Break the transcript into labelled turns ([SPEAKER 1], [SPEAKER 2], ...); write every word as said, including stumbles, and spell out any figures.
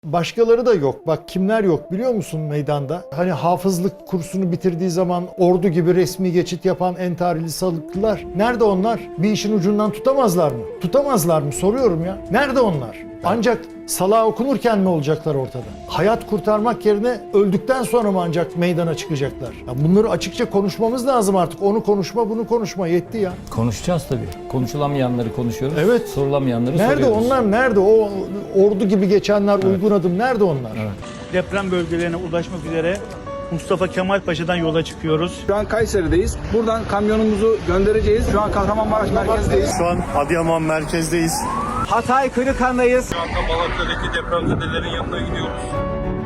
[SPEAKER 1] Başkaları da yok. Bak kimler yok biliyor musun meydanda? Hani hafızlık kursunu bitirdiği zaman ordu gibi resmi geçit yapan entarili salıklılar. Nerede onlar? Bir işin ucundan tutamazlar mı? Tutamazlar mı? Soruyorum ya. Nerede onlar? Ancak salağa okunurken mi olacaklar ortada? Hayat kurtarmak yerine öldükten sonra mı ancak meydana çıkacaklar? Ya bunları açıkça konuşmamız lazım artık. Onu konuşma, bunu konuşma. Yetti ya.
[SPEAKER 2] Konuşacağız tabii. Konuşulamayanları konuşuyoruz.
[SPEAKER 1] Evet.
[SPEAKER 2] Sorulamayanları
[SPEAKER 1] Nerede
[SPEAKER 2] soruyoruz.
[SPEAKER 1] onlar? Nerede? O ordu gibi geçenler, evet. Uygun adım. Nerede onlar?
[SPEAKER 2] Evet.
[SPEAKER 3] Deprem bölgelerine ulaşmak üzere Mustafa Kemal Paşa'dan yola çıkıyoruz.
[SPEAKER 4] Şu an Kayseri'deyiz. Buradan kamyonumuzu göndereceğiz. Şu an Kahramanmaraş merkezdeyiz.
[SPEAKER 5] Şu an Adıyaman merkezdeyiz.
[SPEAKER 4] Hatay Kırıkhan'dayız.
[SPEAKER 6] Şu anda Malatya'daki depremzedelerin yanına gidiyoruz.